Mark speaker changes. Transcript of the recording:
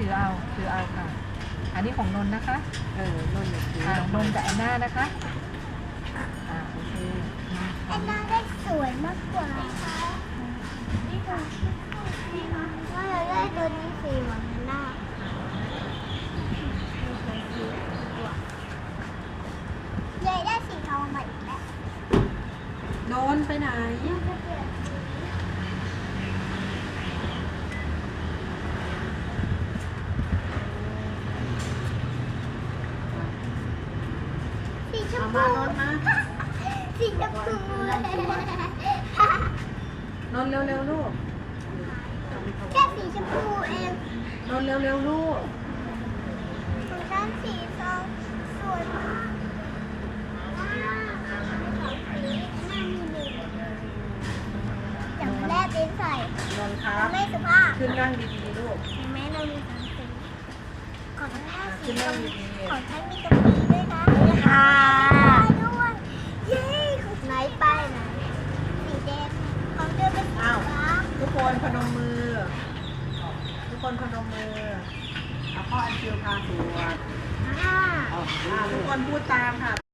Speaker 1: ถือเอาค่ะอันนี้ของนนท์นะคะ
Speaker 2: นนท์ถือน
Speaker 1: นท์กับแอนนานะคะโอเค
Speaker 3: แอนนาได้สวยมากกว่าว่าเราได้ตัวนี้สีเหมือนแอนนาใหญ่ได้สีทองมาอีกแล้ว
Speaker 2: นนท์ไปไหน
Speaker 3: สีชม
Speaker 2: มา
Speaker 3: พู
Speaker 2: นนท์มา
Speaker 3: สีชมพู
Speaker 2: นนท์เร็วๆลูก
Speaker 3: แค่สีชมพูเอง
Speaker 2: นนท์เร็วๆลูก
Speaker 3: ของฉันสีทองสวยมากอย่างแรกเป็นใส่
Speaker 2: นนท์ครับ
Speaker 3: ไม่สุภาพ
Speaker 2: ขึ้นนั่งดีๆลูก
Speaker 3: เห็นไหมเรามีสองสีของฉันสี
Speaker 2: ขึ้น
Speaker 3: ช
Speaker 2: นั่ง
Speaker 3: ม
Speaker 2: ดี
Speaker 3: ของฉันมีตรงนี้ด้วยนะค่ะด้วยเย้ของไหนไปไหนสีแดงของเธอเป็นสีฟ้า
Speaker 2: ๆทุกคนพนมมือ ทุกคนพนมมือเอาพ่ออันเชิญพาสวดทุกคนพูดตามค่ะ